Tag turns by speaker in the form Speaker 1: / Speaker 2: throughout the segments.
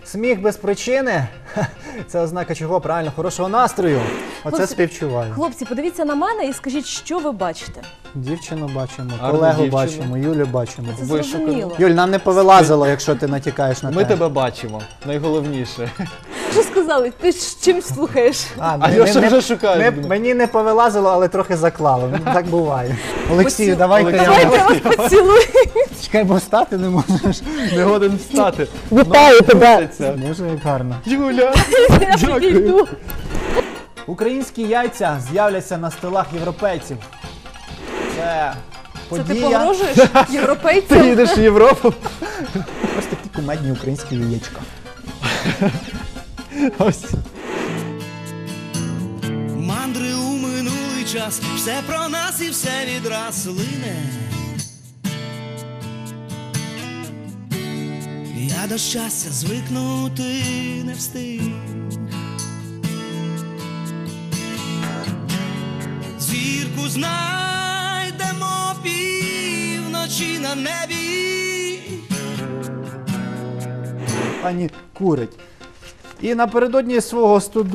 Speaker 1: Сміх без причини – це ознака чого? Правильно, хорошого настрою. Оце співчуваю.
Speaker 2: Хлопці, подивіться на мене і скажіть, що ви бачите.
Speaker 1: Дівчину бачимо,
Speaker 3: Гарну
Speaker 1: колегу
Speaker 3: дівчину.
Speaker 1: бачимо, Юлю бачимо.
Speaker 2: Це зрозуміло.
Speaker 1: Юль, нам не повилазило, якщо ти натякаєш на те.
Speaker 3: Ми тебе бачимо, найголовніше.
Speaker 2: Що сказали? Ти ж чим слухаєш?
Speaker 3: Альоша вже шукає.
Speaker 1: Мені не повилазило, але трохи заклало. Так буває. Олексію,
Speaker 2: Давайте
Speaker 1: давайте
Speaker 2: я вас поцілую.
Speaker 1: Чекай, бо встати не можеш.
Speaker 3: Не годен встати.
Speaker 2: Вітаю тебе.
Speaker 1: Може, як гарно.
Speaker 3: Юля,
Speaker 2: Я підійду.
Speaker 1: Українські яйця з'являться на столах європейців. Це
Speaker 2: Це ти
Speaker 1: подія.
Speaker 2: погрожуєш
Speaker 3: ти
Speaker 2: європейцям?
Speaker 3: їдеш в Європу.
Speaker 1: Ось такі кумедні українські яєчка.
Speaker 3: Ось.
Speaker 4: Мандри у минулий час, все про нас і все відраз лине. Я до щастя звикнути не встиг. Зірку знайдемо півночі на небі.
Speaker 1: Пані курить. І напередодні свого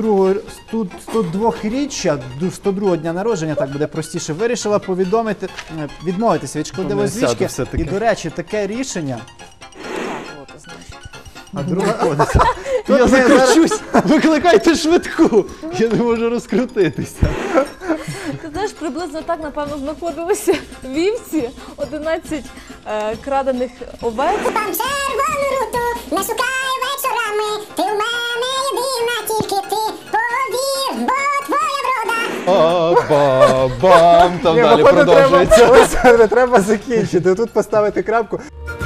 Speaker 1: 102-річчя, 102-го дня народження, так буде простіше, вирішила відмовитися від шкодливої
Speaker 3: Не сяду
Speaker 1: звички.
Speaker 3: все-таки.
Speaker 1: І, до речі, таке рішення. А друга
Speaker 3: Я закручусь, викликайте швидку. Я не можу розкрутитися.
Speaker 2: Ти знаєш, приблизно так, напевно, знаходилися вівці, 11 крадених овець.
Speaker 5: Там червону руту не шукай вечорами. Ти в мене єдина, тільки ти повір, бо твоя врода.
Speaker 3: Ба-бам, там
Speaker 1: Ні,
Speaker 3: далі
Speaker 1: походу,
Speaker 3: продовжується.
Speaker 1: треба закінчити, тут поставити крапку.